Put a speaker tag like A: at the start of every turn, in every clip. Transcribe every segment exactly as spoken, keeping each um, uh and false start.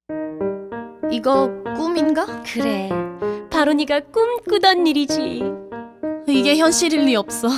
A: 이거 꿈인가?
B: 그래, 바로 네가 꿈꾸던 일이지.
A: 이게 현실일 리 없어.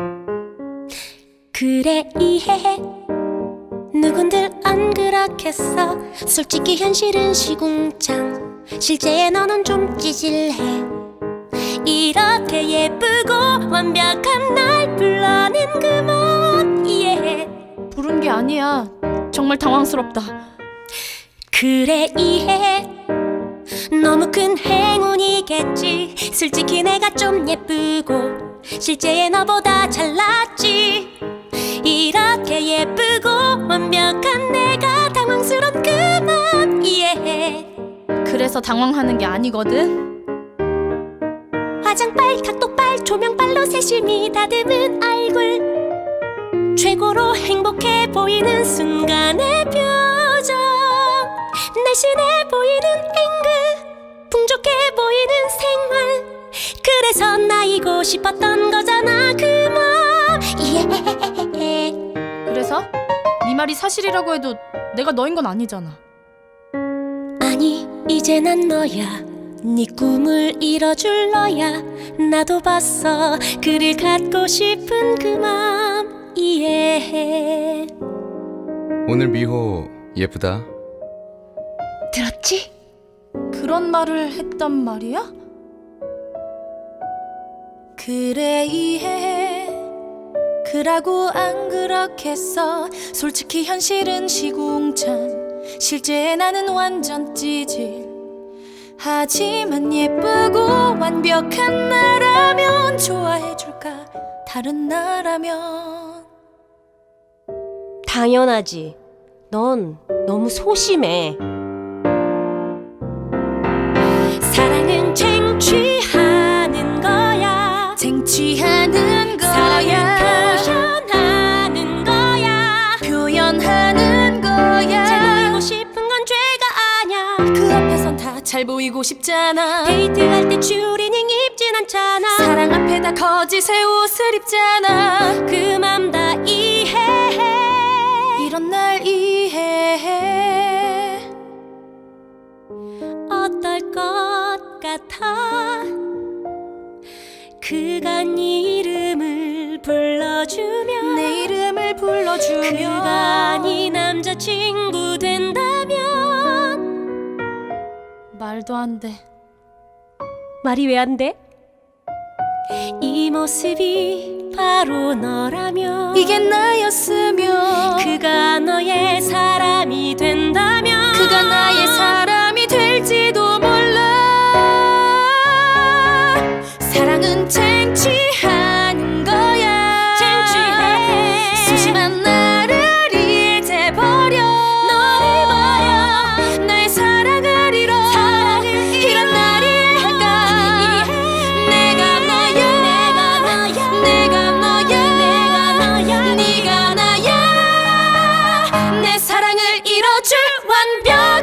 B: 그래, 이해해. 누군들 안 그렇겠어. 솔직히 현실은 시궁창, 실제의 너는 좀 찌질해. 이렇게 예쁘고 완벽한 날 불러낸 그 멋 이해해.
A: 부른 게 아니야. 정말 당황스럽다.
B: 그래, 이해해. 너무 큰 행운이겠지. 솔직히 내가 좀 예쁘고 실제의 너보다 잘났지. 이렇게 예쁘고 완벽한 내가 당황스러운 그 맘 이해해.
A: 그래서 당황하는 게 아니거든.
B: 화장빨, 탁도빨, 조명빨로 세심히 다듬은 얼굴, 최고로 행복해 보이는 순간의 표정, 날씬해 보이는 앵글, 풍족해 보이는 생활. 그래서 나이고 싶었던 거잖아 그 맘 이해해.
A: 그래서? 네 말이 사실이라고 해도 내가 너인 건 아니잖아.
B: 아니, 이제 난 너야. 네 꿈을 이뤄줄 너야. 나도 봤어. 그를 갖고 싶은 그 맘 이해해.
C: 오늘 미호 예쁘다.
B: 들었지?
A: 그런 말을 했단 말이야? 그래, 이해해. 그라고 안 그렇겠어. 솔직히 현실은 시궁창, 실제 나는 완전 찌질. 하지만 예쁘고 완벽한 나라면 좋아해줄까? 다른 나라면.
B: 당연하지. 넌 너무 소심해. 사랑은 쟁취하는 거야.
A: 쟁취하는 거야.
B: 사랑은 표현하는 거야.
A: 표현하는 거야.
B: 잘 보이고 싶은 건 죄가 아냐.
A: 그 앞에선 다 잘 보이고 싶잖아.
B: 데이트할 때 추리닝 입진 않잖아.
A: 사랑 앞에다 거짓의 옷을 입잖아.
B: 그 맘 다 이해해.
A: 이런 날 이해해.
B: 어떨 것 같아. 그가 네 이름을 불러주면,
A: 내 이름을 불러주면,
B: 그가 네 남자친구 된다면.
A: 말도 안 돼.
B: 말이 왜 안 돼? 이 모습이 바로 너라면,
A: 이게 나였으면,
B: 그가 너의 사람이 된다면,
A: 그가 나의 사람이 될지도 몰라. 사랑은 쟁취하는 거야.
B: 쟁취해.
A: 소심한 나를 잊어버려.
B: 너를 버려.
A: 나의 사랑을 잃어.
B: 사랑을
A: 이런 날 이해할까? 내가 나야. 내가 너야. 네가 나야. 내 사랑을 잃어줄 완벽.